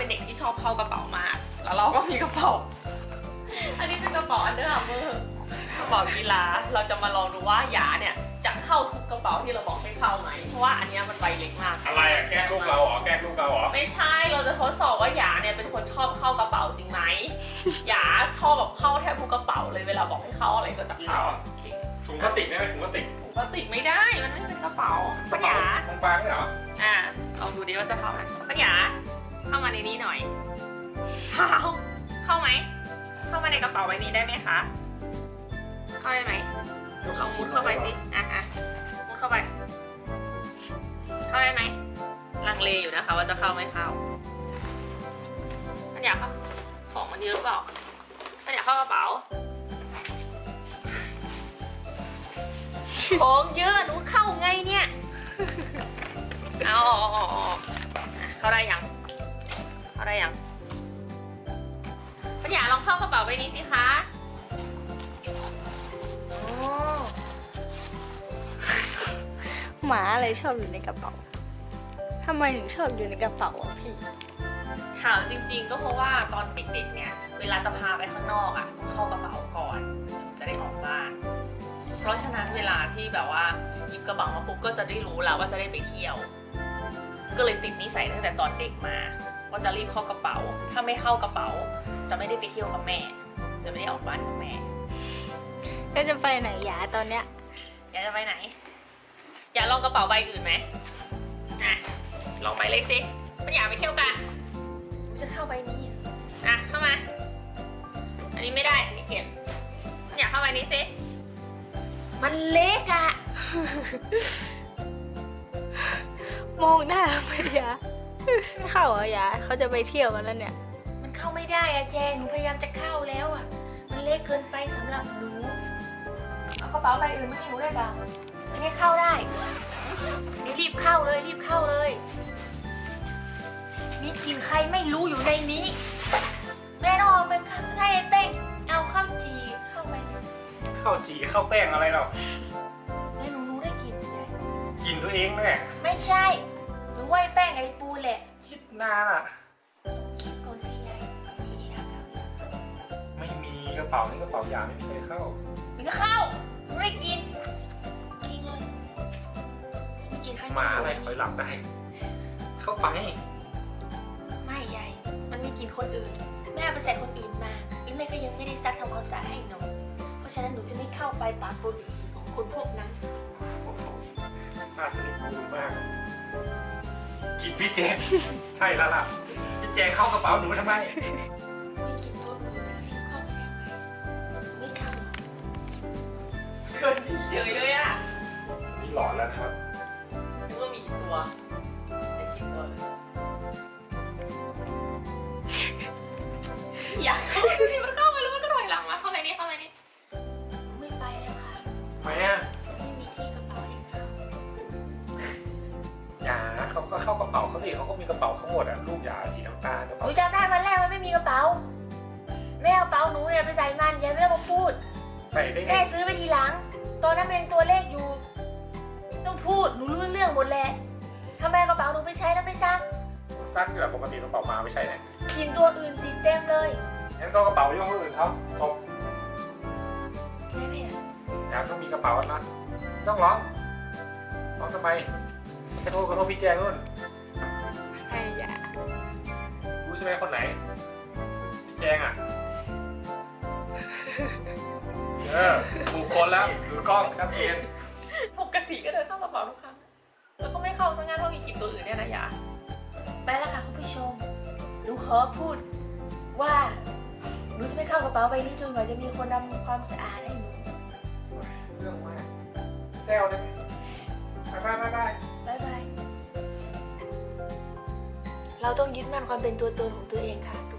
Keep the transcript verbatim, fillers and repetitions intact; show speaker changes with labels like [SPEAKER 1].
[SPEAKER 1] เป็นเด็กที่ชอบเข้ากระเป๋ามากแล้วเราก็มีกระเป๋าอันนี้เป็นกระเป๋าอันเดอร์อาร์เมอร์กระเป๋ากีฬาเราจะมาลองดูว่าหยาเนี่ยจะเข้าทุกกระเป๋าที่เราบอกให้เข้าไหมเพราะว่าอันนี้มันใบเล็กมาก
[SPEAKER 2] อะไรอะแกล้งลูกเราเหรอแกล้งลูกเราเหรอ
[SPEAKER 1] ไม่ใช่เราจะทดสอบว่าหยาเนี่ยเป็นคนชอบเข้ากระเป๋าจริงไหมหยาชอบแบบเข้าแทบทุกกระเป๋าเลยเวลาบอกให้เข้าอะไรก็จะเข้า
[SPEAKER 2] ถุงพลาสติกได้ไหมถุงพลาสติก
[SPEAKER 1] ถุงพลาสติกไม่ได้มันไม่เป็นกระเป๋าปัญญา
[SPEAKER 2] บางๆไม่เหรอ
[SPEAKER 1] อ่าลองดูดิว่าจะเข้าไหมปัญญาเข้ามาในนี้หน่อยเข้าเข้าไหมเข้ามาในกระเป๋าใบนี้ได้ไหมคะเข้าได้ไหมลองมุดเข้าไปสิอ่ะอ่ะมุดเข้าไปเข้าได้ไหมลังเลอยู่นะคะว่าจะเข้าไม่เข้าปัญญาเข้าของมันเยอะเปล่าปัญญาเข้ากระเป๋าของเยอะหนูเข้าไงเนี่ยเอาออกออกออกเข้าได้ยังเข้าได้ยังปัญญาลองเข้ากระเป๋าใบนี้สิคะ
[SPEAKER 3] หมาอะไรชอบอยู่ในกระเป๋าทำไมถึงชอบอยู่ในกระเป๋าอ่ะพี่
[SPEAKER 1] ถามจริงๆก็เพราะว่าตอนเด็กๆเนี่ยเวลาจะพาไปข้างนอกอ่ะต้องเข้ากระเป๋าก่อนจะได้ออกบ้านเพราะฉะนั้นเวลาที่แบบว่าหยิบกระเป๋ามาปุ๊บก็จะได้รู้แล้วว่าจะได้ไปเที่ยวก็เลยติดนิสัยตั้งแต่ตอนเด็กมาว่าจะรีบเข้ากระเป๋าถ้าไม่เข้ากระเป๋าจะไม่ได้ไปเที่ยวกับแม่จะไม่ได้ออกบ้านกับแม่
[SPEAKER 3] แล้วจะไปไหนยาตอนเนี้ย
[SPEAKER 1] อยากจะไปไหนอยากลองกระเป๋าใบอื่นไหมอ่ะลองไปเลยสิไม่อยากไปเที่ยวกันกูจะเข้าใบนี้อ่ะเข้ามาอันนี้ไม่ได้อันนี้เก็บอยากเข้าใบนี้สิมันเล็กอะ
[SPEAKER 3] มองหน้าไม่ยาไม่เข้าเหรอยาเขาจะไปเที่ยวกันแล้วเนี่ย
[SPEAKER 1] มันเข้าไม่ได้อะแจงหนูพยายามจะเข้าแล้วอะมันเล็กเกินไปสำหรับหนูเอากระเป๋าใบอื่นมาให้หนูได้ป่ะอันนี้เข้าได้นี่รีบเข้าเลยรีบเข้าเลยมีกลิ่นใครไม่รู้อยู่ในนี้แม่ต้องเอาไปให้เป้งเอาข้าวจีเข้าไป
[SPEAKER 2] ข้าวจีข้าวแป้งอะไรหรอ
[SPEAKER 1] แม่หนูรู้ได้กลิ่นไง
[SPEAKER 2] กลิ่นตัวเองแน่
[SPEAKER 1] ไม่ใช่หนูว่าไอ้แป้งไอ้ปูแหละ
[SPEAKER 2] คิดนานอ่ะ
[SPEAKER 1] คิดก่อนสิยาย
[SPEAKER 2] ไม่มีกระเป๋านี่กระเป๋ายาไม่มีใครเข้า
[SPEAKER 1] มันก็เข้าหนูได้กินกินเลยไม่กินใคร
[SPEAKER 2] หมาอะไรคอยหลับได้เข้าไป
[SPEAKER 1] ไม่ยายมันมีกินคนอื่นแม่ไปใส่คนอื่นมาแล้วแม่ก็ยังไม่ได้ซักทำความสะอาดให้หนูเพราะฉะนั้นหนูจะไม่เข้าไปตามโปรดิวซีของคนพวกนั้น
[SPEAKER 2] น่าสนิทกูมากกินพี่แจงใช่แล้วล่ะพี่แจงเข้ากระเป๋าหนูทำไม
[SPEAKER 1] ไม่กินตัวอื่นนะให้เข้าไปได้ไหมไม่เข้าเกินที่เฉยเลยอ่ะ
[SPEAKER 2] นี่หลอนแล้วนะครับ
[SPEAKER 1] นึกว่ามีตัวแต่คิดตัวเลยอยากเข้าดูดิมันเข้าไปแล้วมันก็ถอยหลังมาเข้าไปนี่เข้าไปนี่ไม่ไปแล้วค่ะ
[SPEAKER 2] ทำไมอ่ะ
[SPEAKER 1] ไม่มีที่กระเป๋าให้เขา
[SPEAKER 2] อย่าเขาก็เข้ากระเป๋าเขาสิเขาก็มีกระเป๋าเขาหมดอ่ะลูกอย่าสีน้ำตาลกระ
[SPEAKER 1] ห
[SPEAKER 2] เป๋า
[SPEAKER 1] นูจำได้วันแรกมันไม่มีกระเป๋าแม่เอากระเป๋าหนูเนี่ยไปใส่มันอย่าไม่ต้องมาพูด
[SPEAKER 2] ใส่ได้ไง
[SPEAKER 1] แม่ซื้อไปทีหลังตอนนั้นเป็นตัวเลขอยู่ต้องพูดหนูรู้เรื่องหมดแหละทำไมกระเป๋าหนูไปใช้แล้วไม่ซัก
[SPEAKER 2] ซักอยู่แบบปกติกระเป๋ามาไม่ใช่เนี่ย
[SPEAKER 1] กินตัวอื่นติดเต็มเลย
[SPEAKER 2] งั้นก็กระเป๋าย่ห้ออื่นเขาจบ
[SPEAKER 1] ไม่ไม่
[SPEAKER 2] อยากต้องมีกระเป๋านะต้องร้องร้องทำไมจะโทรกับโทรพี่แจงนู่น
[SPEAKER 3] ไอ้ยา
[SPEAKER 2] รู้ใช่ไหมคนไหนพี่แจงอ่ะเออถูกคนแล้วดูกล้องชัดเจน
[SPEAKER 1] ปกติก็เดินเข้ากระเป๋าทุกครั้งแล้วก็ไม่เข้าทั้งงานเพราะมีกลิ่นตัวอื่นเนี่ยนะยาไปแล้วค่ะคุณผู้ชมหนูขอพูดว่าหนูจะไม่เข้ากระเป๋าใบนี้จนกว่าจะมีคนทำความสะอาดให้หนู
[SPEAKER 2] เรื่องมากเซลได้ไหมบายบายบาย
[SPEAKER 1] บายบายเราต้องยึดมั่นความเป็นตัวตนของตัวเองค่ะ